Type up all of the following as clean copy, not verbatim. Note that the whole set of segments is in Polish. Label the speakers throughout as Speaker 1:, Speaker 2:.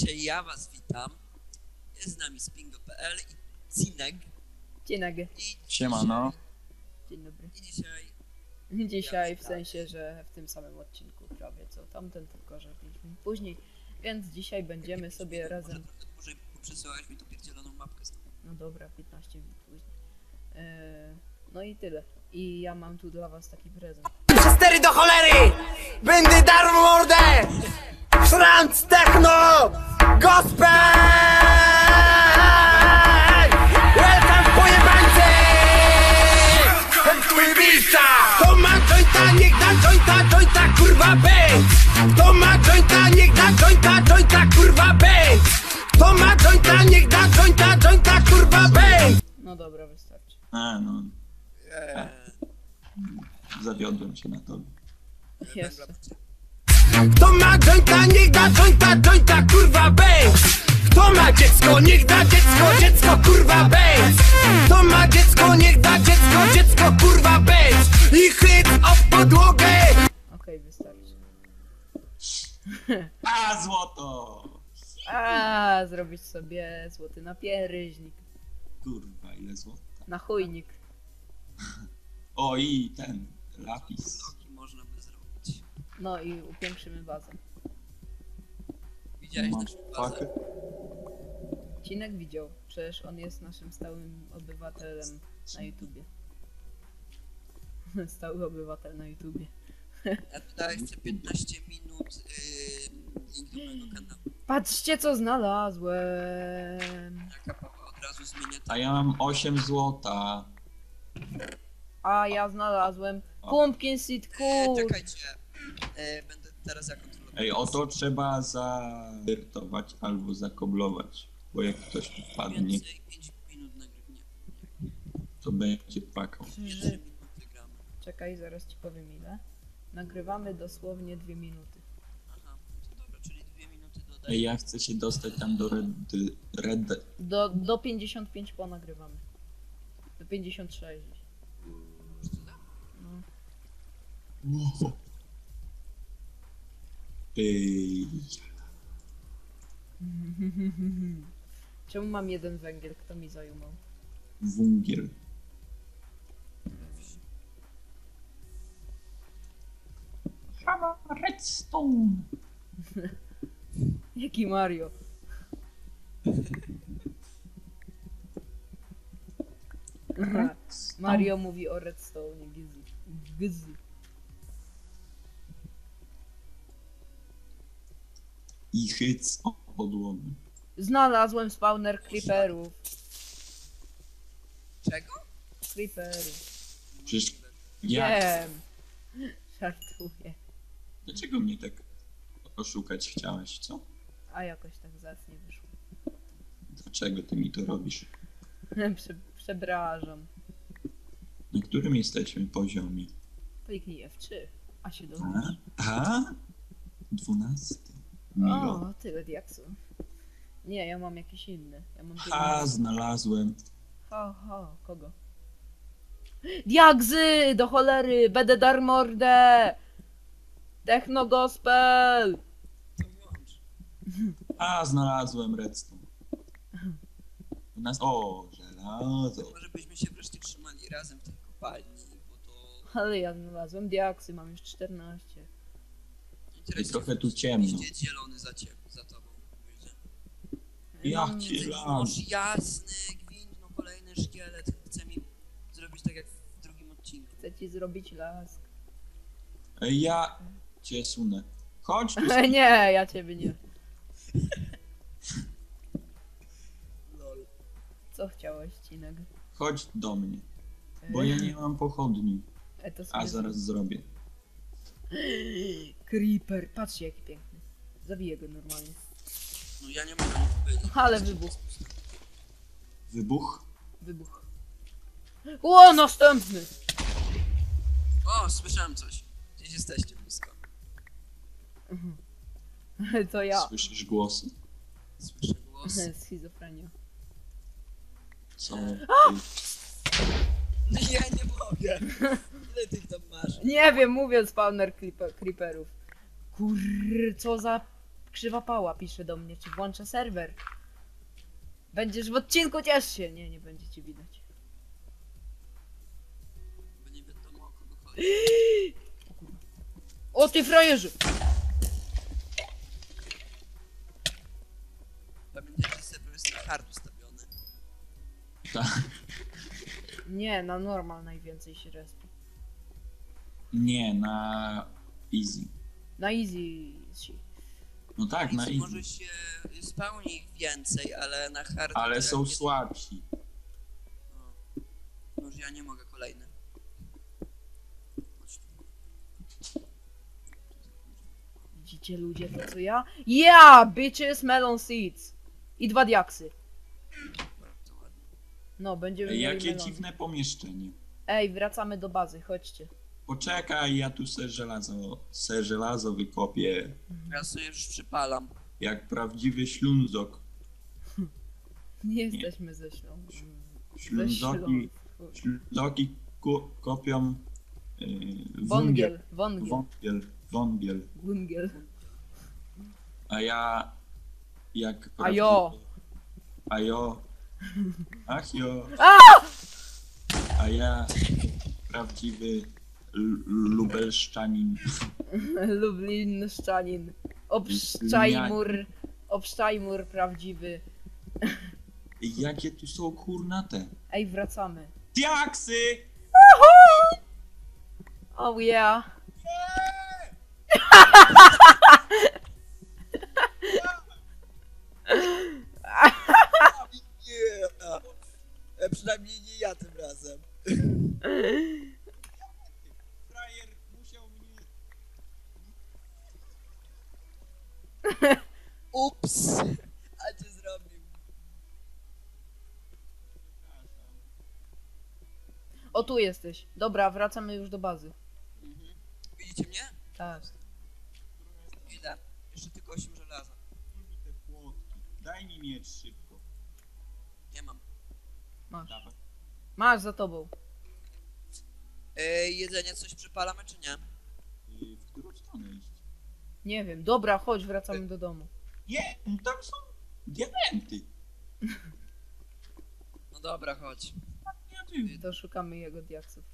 Speaker 1: Dzisiaj ja was witam. Jest z nami Spingo.pl i Cinek.
Speaker 2: Cinek.
Speaker 1: I
Speaker 3: Siemano.
Speaker 2: Dzień dobry.
Speaker 1: I dzisiaj...
Speaker 2: Dzisiaj w sensie, że w tym samym odcinku prawie co tamten, tylko że 5 minut później. Więc dzisiaj będziemy sobie razem...
Speaker 1: Może trochę dłużej, bo przesyłałeś mi tu pierdzieloną mapkę znowu.
Speaker 2: No dobra, 15 minut później. No i tyle. I ja mam tu dla was taki prezent.
Speaker 4: Przez 4 do cholery! Będę darł mordę! Franc techno! Gospel! Welcome pojebańcy! Twój miejsca! Kto ma jointa, niech da jointa, kurwa bęk! Kto ma jointa, niech da jointa, kurwa bęk! Kto ma jointa, niech da jointa, kurwa bęk!
Speaker 2: No dobra, wystarczy.
Speaker 3: No. Zawiodłem się na tobie.
Speaker 2: Jeszcze.
Speaker 4: Kto ma jointa, niech da jointa, kurwa bęk! Kto ma dziecko, niech da dziecko, kurwa bęk! Kto ma dziecko, niech da dziecko, kurwa bęk! I chyt o podłogę!
Speaker 2: Okej, wystarczy.
Speaker 3: A, złoto!
Speaker 2: Zrobić sobie złoty napierśnik.
Speaker 3: Kurwa, ile złota.
Speaker 2: Na chujnik.
Speaker 3: O, i ten lapis.
Speaker 1: Bloki można by zrobić.
Speaker 2: No i upiększymy bazę.
Speaker 1: Widziałeś
Speaker 3: Mam
Speaker 1: naszą bazę?
Speaker 3: pakę.
Speaker 2: Cinek widział, przecież on jest naszym stałym obywatelem na YouTubie. Stały obywatel na YouTubie.
Speaker 1: Ja tutaj chcę 15 minut link do mojego kanału.
Speaker 2: Patrzcie co znalazłem!
Speaker 1: Jaka Paweł od razu zmienia
Speaker 3: A ja mam 8 złota.
Speaker 2: A ja znalazłem pumpkin seed cool!
Speaker 1: Czekajcie. Będę teraz ja kontrolował.
Speaker 3: Ej, o to trzeba zawiertować albo zakoblować. Bo jak ktoś tu wpadnie,
Speaker 1: Więcej 5 minut nagrywnie.
Speaker 3: to będzie płakał.
Speaker 1: 3 minuty gramy.
Speaker 2: Czekaj, zaraz ci powiem ile. Nagrywamy dosłownie 2 minuty.
Speaker 1: Aha, to dobra, czyli 2 minuty
Speaker 3: Ej,
Speaker 1: dodaję.
Speaker 3: ja chcę się dostać tam do red...
Speaker 2: Do 55 ponagrywamy. Do 56. No.
Speaker 3: Ej,
Speaker 2: Czemu mam jeden węgiel? Kto mi zajumał?
Speaker 3: wungiel. Redstone.
Speaker 2: Jaki Mario? Aha, Mario mówi o redstone, gizzy. Gizzy.
Speaker 3: I hyc o podłogę.
Speaker 2: Znalazłem spawner creeperów.
Speaker 1: Czego?
Speaker 2: Creeperów.
Speaker 3: Przecież ja...
Speaker 2: Wiem. Żartuję.
Speaker 3: Dlaczego mnie tak oszukać chciałeś, co?
Speaker 2: A jakoś tak zacnie wyszło.
Speaker 3: Dlaczego ty mi to robisz?
Speaker 2: Przepraszam.
Speaker 3: Na którym jesteśmy poziomie?
Speaker 2: Kliknij F3, a się dowiesz.
Speaker 3: A? 12. Milo.
Speaker 2: O, tyle diaksu. Nie, ja mam jakiś inny. Ja mam
Speaker 3: Ha, znalazłem.
Speaker 2: kogo? Diakzy! Do cholery! Będę dar mordę! Techno gospel!
Speaker 1: To włącz.
Speaker 3: A, znalazłem redstone. U nas... O, żelazo.
Speaker 1: Może byśmy się wreszcie trzymali razem w tej kopalni, bo to...
Speaker 2: Ale ja znalazłem diaksy, mam już 14.
Speaker 3: I trochę tu ciemno.
Speaker 1: Idzie zielony za tobą. Widzę.
Speaker 3: Jakie las.
Speaker 1: Jasny gwint, no kolejny szkielet chce mi zrobić tak jak w drugim odcinku.
Speaker 2: Chcę ci zrobić lask.
Speaker 3: Ej, ja cię sunę. Chodź tu.
Speaker 2: Nie, ja ciebie nie.
Speaker 1: Lol.
Speaker 2: Co chciałeś, Cinek?
Speaker 3: Chodź do mnie. Bo ja nie mam pochodni.
Speaker 2: To
Speaker 3: A zaraz zrobię.
Speaker 2: Creeper, patrzcie jaki piękny. Zabiję go normalnie.
Speaker 1: No ja nie mogę powiedzieć.
Speaker 2: Ale wybuch.
Speaker 3: Wybuch?
Speaker 2: Wybuch. O, następny!
Speaker 1: O, słyszałem coś. Gdzieś jesteście blisko.
Speaker 2: To ja.
Speaker 3: Słyszysz głosy?
Speaker 1: Słyszę głos.
Speaker 2: Schizofrenia.
Speaker 3: Co?
Speaker 1: No ja nie mogę. Ile tych tam masz?
Speaker 2: Nie wiem, mówię spawner creeperów. Co za Krzywa Pała pisze do mnie, czy włączę serwer. Będziesz w odcinku, ciesz się! Nie, nie będzie cię widać.
Speaker 1: Bo nie wiadomo o kogo chodzi.
Speaker 2: O ty frajerze!
Speaker 1: Pamiętajcie, że serwer jest na hard ustawiony.
Speaker 3: Tak.
Speaker 2: Nie, na normal najwięcej się respi.
Speaker 3: Nie, na easy.
Speaker 2: Na easy się.
Speaker 3: No tak, na
Speaker 1: Easy
Speaker 3: easy.
Speaker 1: może się spełni ich więcej, ale na hard...
Speaker 3: Ale
Speaker 1: to
Speaker 3: są
Speaker 1: jak jest-
Speaker 3: słabsi.
Speaker 1: No, już ja nie mogę kolejny. Chodź tu.
Speaker 2: Widzicie ludzie to co ja? Yeah! Bitches, melon seeds! I 2 diaksy.
Speaker 1: Bardzo ładnie.
Speaker 2: No, będziemy mieli
Speaker 3: Jakie
Speaker 2: melony.
Speaker 3: dziwne pomieszczenie.
Speaker 2: Ej, wracamy do bazy, chodźcie.
Speaker 3: Poczekaj, ja tu se żelazo wykopię.
Speaker 1: Ja sobie już przypalam.
Speaker 3: Jak prawdziwy ślązok.
Speaker 2: Nie jesteśmy ze Śląsku.
Speaker 3: Ślązoki, ślązoki kopią
Speaker 2: Wągiel, wągiel,
Speaker 3: wągiel.
Speaker 2: wągiel.
Speaker 3: A ja jak
Speaker 2: A jo.
Speaker 3: A jo. Ach jo. A ja prawdziwy lubelszczanin.
Speaker 2: Lublińszczanin. Obszczajmur prawdziwy.
Speaker 3: Jakie tu są kurnate?
Speaker 2: Ej, wracamy.
Speaker 3: Diaksy!
Speaker 2: Oh yeah.
Speaker 1: Nie! Przynajmniej nie ja tym razem.
Speaker 3: Frajer musiał mnie...
Speaker 1: Ups! A cię zrobił.
Speaker 2: O, tu jesteś. Dobra, wracamy już do bazy.
Speaker 1: Widzicie mnie?
Speaker 2: Tak.
Speaker 1: Ile? Jeszcze tylko 8 żelaza.
Speaker 3: Te płotki. Daj mi mieć szybko.
Speaker 1: Nie mam.
Speaker 2: Masz.
Speaker 3: Dawaj.
Speaker 2: Masz za tobą.
Speaker 1: Jedzenie coś przypalamy czy nie?
Speaker 3: W którą stronę iść?
Speaker 2: Nie wiem. Dobra, chodź, wracamy do domu.
Speaker 3: Nie, tam są diamenty.
Speaker 1: No dobra, chodź.
Speaker 3: Ja tu...
Speaker 2: To szukamy jego diaksów.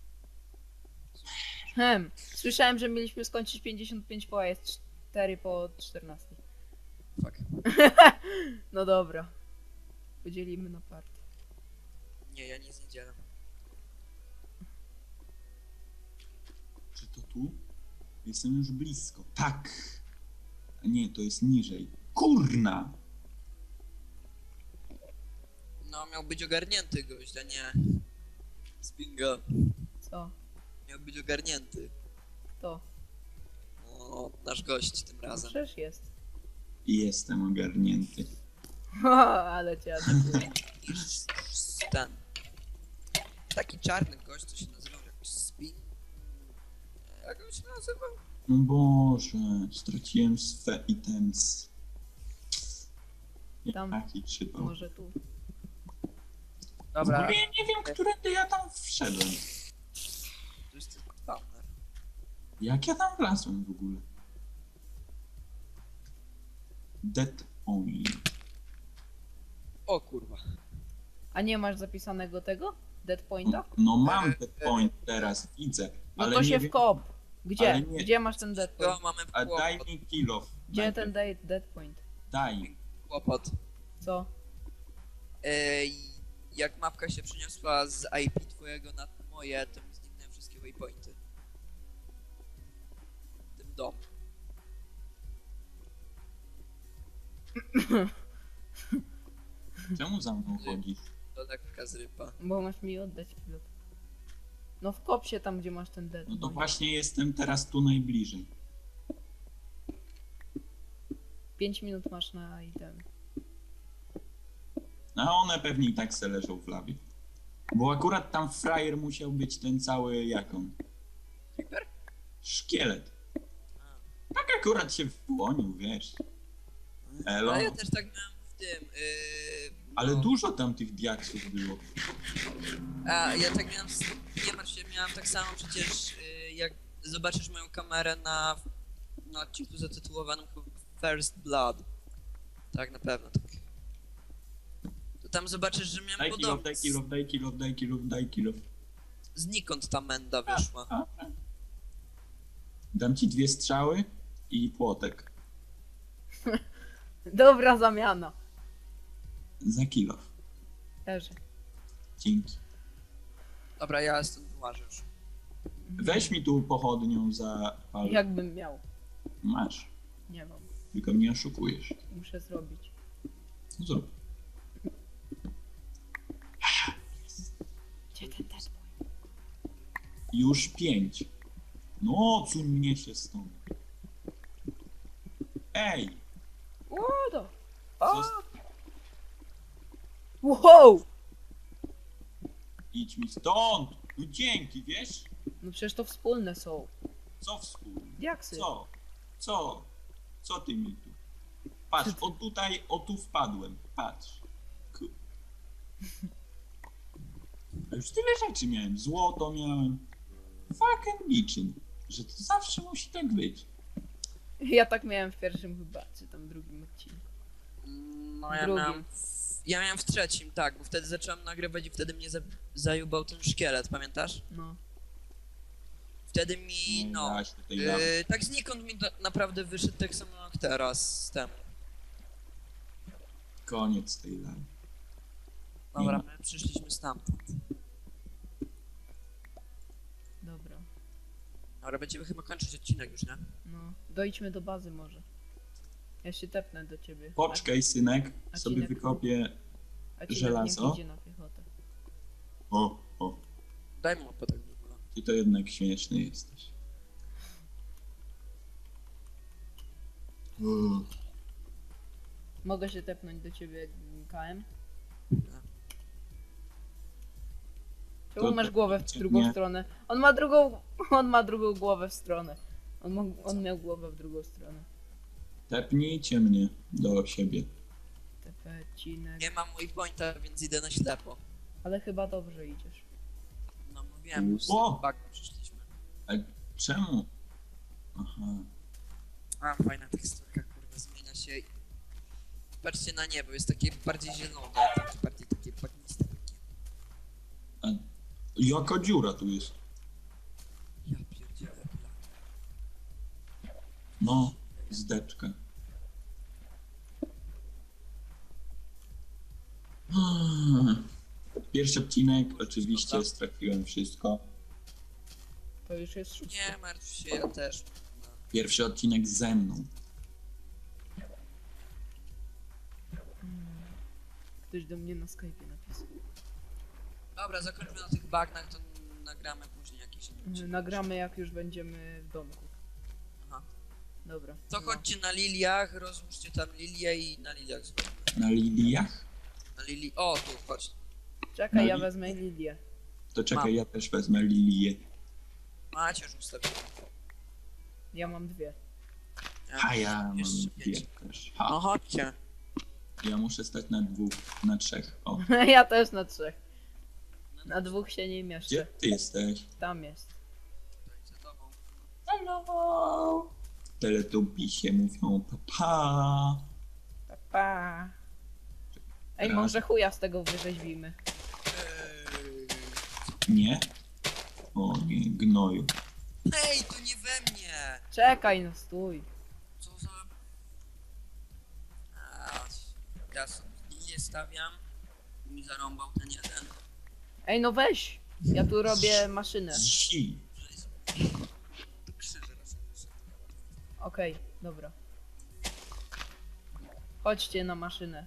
Speaker 2: Słyszałem, że mieliśmy skończyć 55 po, a jest 4 po 14.
Speaker 1: Fuck.
Speaker 2: No dobra. Podzielimy na party.
Speaker 1: Nie, ja nic nie dzielam.
Speaker 3: Czy to tu? Jestem już blisko. Tak. A nie, to jest niżej. Kurna!
Speaker 1: No, miał być ogarnięty gość, a nie... Spingo.
Speaker 2: Co?
Speaker 1: Miał być ogarnięty.
Speaker 2: To.
Speaker 1: O, nasz gość tym
Speaker 2: No
Speaker 1: razem.
Speaker 2: przecież jest.
Speaker 3: Jestem ogarnięty.
Speaker 2: Ale cię atakuję.
Speaker 1: Ten. Taki czarny gość, co się nazywał jakoś Spin. Jak on się nazywał?
Speaker 3: No Boże, straciłem swe items.
Speaker 2: Tam.
Speaker 3: Jaki przypał.
Speaker 2: Może tu.
Speaker 3: W
Speaker 1: Dobra,
Speaker 3: ogóle ja nie wiem, którędy ja tam wszedłem.
Speaker 1: to jest tylko spawner.
Speaker 3: Jak ja tam wlazłem w ogóle? Dead only.
Speaker 1: O kurwa.
Speaker 2: A nie masz zapisanego tego? Dead pointa?
Speaker 3: No mam dead point teraz, widzę.
Speaker 2: No
Speaker 3: Ale
Speaker 2: to
Speaker 3: nie
Speaker 2: się
Speaker 3: wiem,
Speaker 2: wkop. Gdzie?
Speaker 3: ale nie-
Speaker 2: Gdzie masz ten dead
Speaker 1: To
Speaker 2: point?
Speaker 1: mamy
Speaker 3: a daj
Speaker 1: kłopot.
Speaker 3: mi kill off.
Speaker 2: Gdzie ten dead point?
Speaker 3: Daj.
Speaker 1: Kłopot.
Speaker 2: Co?
Speaker 1: Jak mapka się przeniosła z IP twojego na moje, to mi zniknęły wszystkie waypointy. W tym dom.
Speaker 3: Czemu za mną chodzisz?
Speaker 1: To lekka zrypa.
Speaker 2: Bo masz mi oddać pilot. No wkop się tam, gdzie masz ten dead
Speaker 3: No to
Speaker 2: point.
Speaker 3: właśnie jestem teraz tu najbliżej.
Speaker 2: 5 minut masz na item.
Speaker 3: A one pewnie i tak se leżą w lawie. Bo akurat tam frajer musiał być ten cały jaką?
Speaker 1: Creeper?
Speaker 3: Szkielet.
Speaker 1: A.
Speaker 3: Tak akurat się włonił, wiesz. Elo.
Speaker 1: Ale ja też tak miałem w tym.
Speaker 3: Ale
Speaker 1: no.
Speaker 3: dużo tam tych diaksów było.
Speaker 1: A ja tak miałem. Nie martw się, miałem tak samo przecież. Jak zobaczysz moją kamerę na odcinku zatytułowanym First Blood. Tak, na pewno tak. To tam zobaczysz, że miałem
Speaker 3: Daj kill
Speaker 1: podobny.
Speaker 3: off, daj kill off, daj kill off, daj kill off, daj kill off.
Speaker 1: Znikąd ta menda wyszła.
Speaker 3: Dam ci 2 strzały i płotek.
Speaker 2: Dobra zamiana.
Speaker 3: Za kill off.
Speaker 2: Leży.
Speaker 3: Dzięki.
Speaker 1: Dobra, ja stąd wyłażę już.
Speaker 3: Weź mi tu pochodnią za pal.
Speaker 2: Jakbym miał.
Speaker 3: Masz.
Speaker 2: Nie mam.
Speaker 3: Tylko mnie oszukujesz.
Speaker 2: Muszę zrobić.
Speaker 3: No zrób.
Speaker 2: Gdzie ten deadboy?
Speaker 3: Już 5. No, cuń mnie się stąd. Ej!
Speaker 2: Łodo!
Speaker 3: Zost-
Speaker 2: Wow!
Speaker 3: Idź mi stąd! No dzięki, wiesz?
Speaker 2: No przecież to wspólne są.
Speaker 3: Co wspólnie?
Speaker 2: Diaksy.
Speaker 3: Co? Co? Co ty mi tu? Patrz, o tutaj, o tu wpadłem. Patrz. A już tyle rzeczy miałem. Złoto miałem. Fucking niczym. Że to zawsze musi tak być.
Speaker 2: Ja tak miałem w pierwszym chyba, czy tam drugim odcinku.
Speaker 1: No ja
Speaker 2: Drugim.
Speaker 1: miałem... Ja miałem w trzecim, tak, bo wtedy zacząłem nagrywać i wtedy mnie zajubał ten szkielet, pamiętasz?
Speaker 2: No.
Speaker 1: Wtedy mi, no...
Speaker 3: Dałaś do tej lawy.
Speaker 1: tak znikąd mi naprawdę wyszedł tak samo jak teraz z temu.
Speaker 3: Koniec tej lawy.
Speaker 1: Dobra,
Speaker 3: Nie
Speaker 1: my przyszliśmy stamtąd.
Speaker 2: Dobra.
Speaker 1: Dobra, będziemy chyba kończyć odcinek już, nie?
Speaker 2: No. Dojdźmy do bazy może. Ja się tepnę do ciebie.
Speaker 3: Poczekaj, synek.
Speaker 2: A
Speaker 3: Sobie
Speaker 2: cinek?
Speaker 3: wykopię.
Speaker 2: A ci
Speaker 3: żelazo?
Speaker 2: nie idzie na piechotę.
Speaker 3: O.
Speaker 1: Daj mu mapę tak w ogóle.
Speaker 3: Ty to jednak śmieszny jesteś.
Speaker 2: Mogę się tepnąć do ciebie KM? Czemu
Speaker 3: To-
Speaker 2: masz głowę w drugą
Speaker 3: nie.
Speaker 2: stronę? On ma drugą głowę w stronę. On miał głowę w drugą stronę.
Speaker 3: Tepnijcie mnie do siebie.
Speaker 2: Tepecinek.
Speaker 1: Nie mam waypointa, więc idę na ślepo.
Speaker 2: Ale chyba dobrze idziesz.
Speaker 1: No mówiłem, już z
Speaker 3: O!
Speaker 1: tym bagnem przyszliśmy.
Speaker 3: A czemu? Aha.
Speaker 1: A, fajna teksturka, kurwa, zmienia się. Patrzcie na niebo, jest takie bardziej zielone, takie bardziej takie bagniste takie.
Speaker 3: A jaka dziura tu jest?
Speaker 1: Ja pierdzielę.
Speaker 3: No, zdeczka. Pierwszy odcinek, oczywiście straciłem wszystko.
Speaker 2: To już jest szósty.
Speaker 1: Nie martw się, ja też. No.
Speaker 3: Pierwszy odcinek ze mną.
Speaker 2: Ktoś do mnie na Skype'ie napisał.
Speaker 1: Dobra, zakończmy na tych bagnach, to nagramy później jakiś odcinek.
Speaker 2: Nagramy jak już będziemy w domku.
Speaker 1: Aha.
Speaker 2: Dobra.
Speaker 1: To
Speaker 2: no.
Speaker 1: chodźcie na liliach, rozłóżcie tam lilię i na liliach zróbmy.
Speaker 3: Na liliach?
Speaker 1: Na lilii... O, tu, chodź.
Speaker 2: Czekaj, ja
Speaker 3: No i-
Speaker 2: wezmę Lilię.
Speaker 3: To czekaj,
Speaker 1: Mam.
Speaker 3: ja też wezmę lilię.
Speaker 1: Macie już ustawione.
Speaker 2: Ja mam dwie.
Speaker 3: A ja mam
Speaker 1: jeszcze
Speaker 3: dwie
Speaker 1: 5.
Speaker 3: też.
Speaker 1: No
Speaker 3: Ha,
Speaker 1: chodźcie.
Speaker 3: ja muszę stać na 2, na 3. O,
Speaker 2: Ja też na 3. Na 2 się nie mieszczę.
Speaker 3: gdzie ty jesteś?
Speaker 2: Tam jest.
Speaker 1: Za tobą.
Speaker 3: Hello! Teletubisie mówią papa.
Speaker 2: Pa, pa. Ej,
Speaker 3: Raz.
Speaker 2: może chuja z tego wyrzeźbimy.
Speaker 3: Nie? O nie, gnoju.
Speaker 1: Ej, to nie we mnie!
Speaker 2: Czekaj, no stój.
Speaker 1: Co za... A, ja sobie lilię stawiam. Mi zarąbał ten jeden.
Speaker 2: Ej, no weź. Ja tu robię maszynę.
Speaker 3: Zi.
Speaker 1: To krzyże raczej.
Speaker 2: Okej, dobra. Chodźcie na maszynę.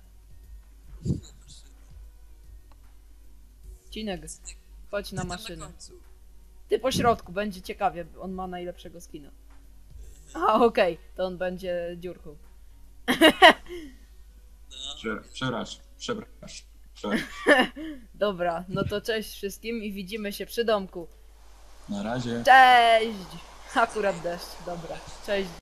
Speaker 2: Cinek, chodź na
Speaker 1: Ty tam
Speaker 2: maszynę.
Speaker 1: końcu.
Speaker 2: Ty po środku, będzie ciekawie. On ma najlepszego skina. A, okej, to on będzie dziurką.
Speaker 1: No.
Speaker 3: Przepraszam.
Speaker 2: Dobra, no to cześć wszystkim i widzimy się przy domku.
Speaker 3: Na razie.
Speaker 2: Cześć! Akurat deszcz, dobra. Cześć.